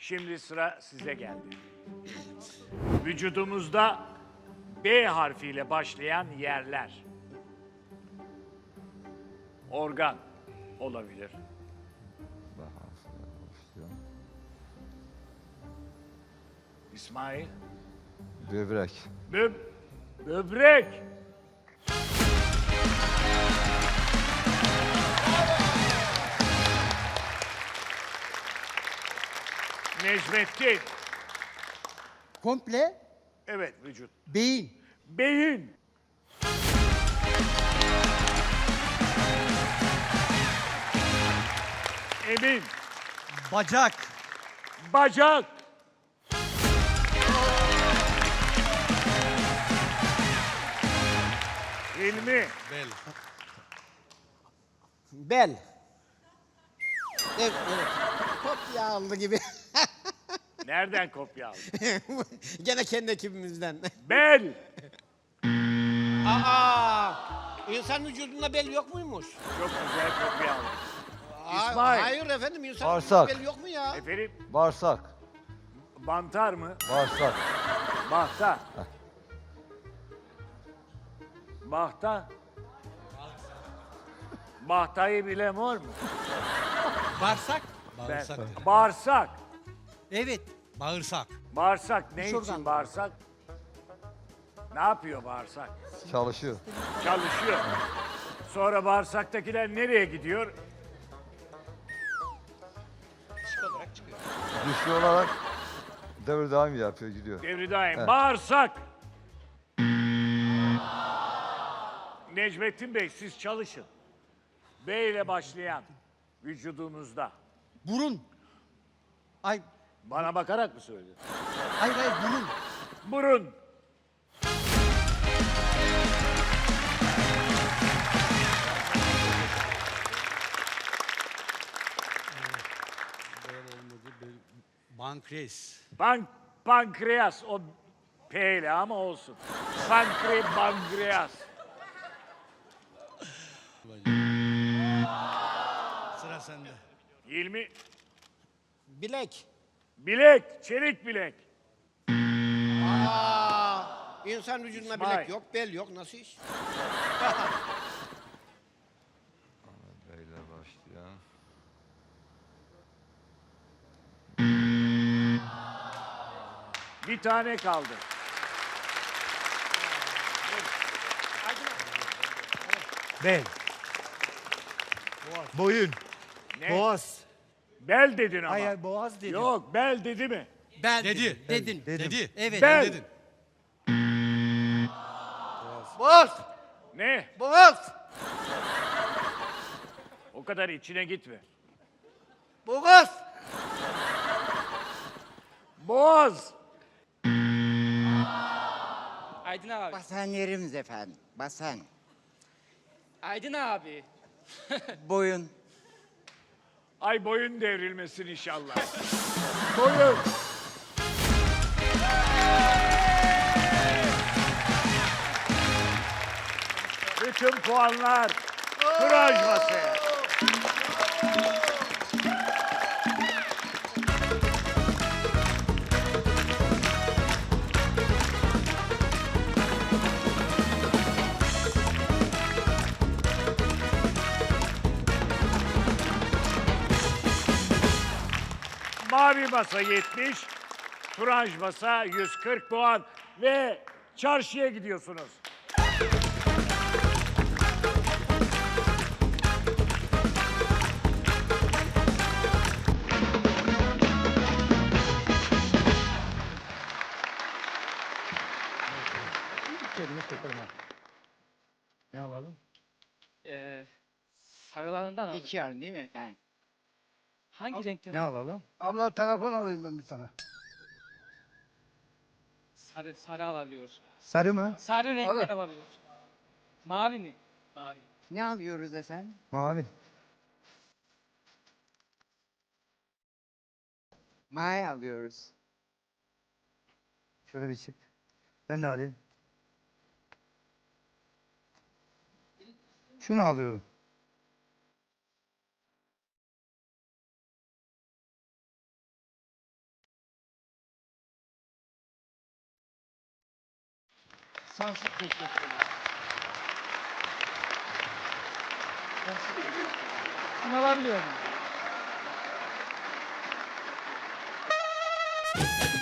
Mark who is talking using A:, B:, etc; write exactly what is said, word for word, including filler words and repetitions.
A: Şimdi sıra size geldi. Vücudumuzda B harfiyle başlayan yerler. Organ olabilir. İsmail.
B: Böbrek.
A: Böb böbrek. Necmettin.
C: Komple
A: Evet, vücut.
C: beyin.
A: Beyin. Emin.
C: Bacak.
A: Bacak. Hilmi.
D: Bel.
C: Bel. Evet, evet. Kopya aldı gibi.
A: Nereden kopya aldın?
C: Gene kendi ekibimizden.
A: Bel.
C: Aa! İnsan vücudunda bel yok muymuş?
A: Çok güzel kopya aldın.
C: Aa,
A: İsmail.
C: Hayır efendim, insan
B: Bağırsak.
C: vücudunda bel yok mu ya?
A: Efendim,
B: Bağırsak.
A: mantar mı?
B: Bağırsak.
A: Bahta. Bahta. Bahtayı bilen var mı?
D: Bağırsak.
A: Ben.
D: Bağırsak. dedi.
A: Bağırsak.
C: Evet.
D: Bağırsak.
A: Bağırsak ne
C: Dış
A: için
C: organ.
A: bağırsak? Ne yapıyor bağırsak?
B: Çalışıyor.
A: Çalışıyor. Sonra bağırsaktakiler nereye gidiyor?
B: Güçlü olarak devir devam yapıyor, gidiyor.
A: Devri daim.
B: Evet.
A: Bağırsak. Necmettin Bey siz çalışın. B ile başlayan vücudunuzda.
C: Burun. Ay,
A: Bana bakarak mı söylüyorsun?
C: hayır hayır burun.
A: Burun.
D: Bel olmadı. Bel. Pankreas.
A: Pank pankreas o P ile ama olsun. Pankre pankreas.
D: Sıra sende.
A: Hilmi
C: Bilek.
A: bilek, çelik bilek.
C: Aa! İnsan vücudunda
A: İsmail.
C: bilek yok, bel yok. Nasıl iş?
B: Böyle başlayan.
A: Bir tane kaldı.
E: Bel. Boyun.
A: Ne?
E: Boğaz.
A: Bel dedin ama.
E: Hayır, hayır, boğaz dedim.
A: Yok, bel dedi mi?
C: Bel
D: Dedi.
C: Dedin.
E: Dedim.
D: Dedi.
C: Evet.
A: Bel.
D: Dedin.
C: Boğaz.
A: Ne?
C: Boğaz.
A: O kadar içine gitme.
C: Boğaz.
A: Boğaz.
F: Aydın abi.
G: Basan yerimiz efendim. Basan.
F: Aydın abi.
G: Boyun.
A: Ay boyun devrilmesin inşallah. Boyun. Bütün puanlar Kuraj masaya. Mavi masa yetmiş, turanj masa yüz kırk puan ve çarşıya gidiyorsunuz.
E: Ne alalım?
F: Ee, sarılarından abi.
G: İki yarın değil mi efendim?
F: Hangi renkte?
E: Ne alalım? Abla telefon alayım ben bir tane.
F: Sarı, sarı alabiliyoruz.
E: Sarı mı?
F: Sarı renkler alabiliyoruz. Mavi mi? Mavi.
G: Ne alıyoruz efendim?
E: Mavi.
G: May alıyoruz.
E: Şöyle bir çık. Ben de alayım. Şunu alıyorum.
F: Sonsuz teşekkür ederim. Sonsuz teşekkür ederim. Bunu alabiliyor muyum?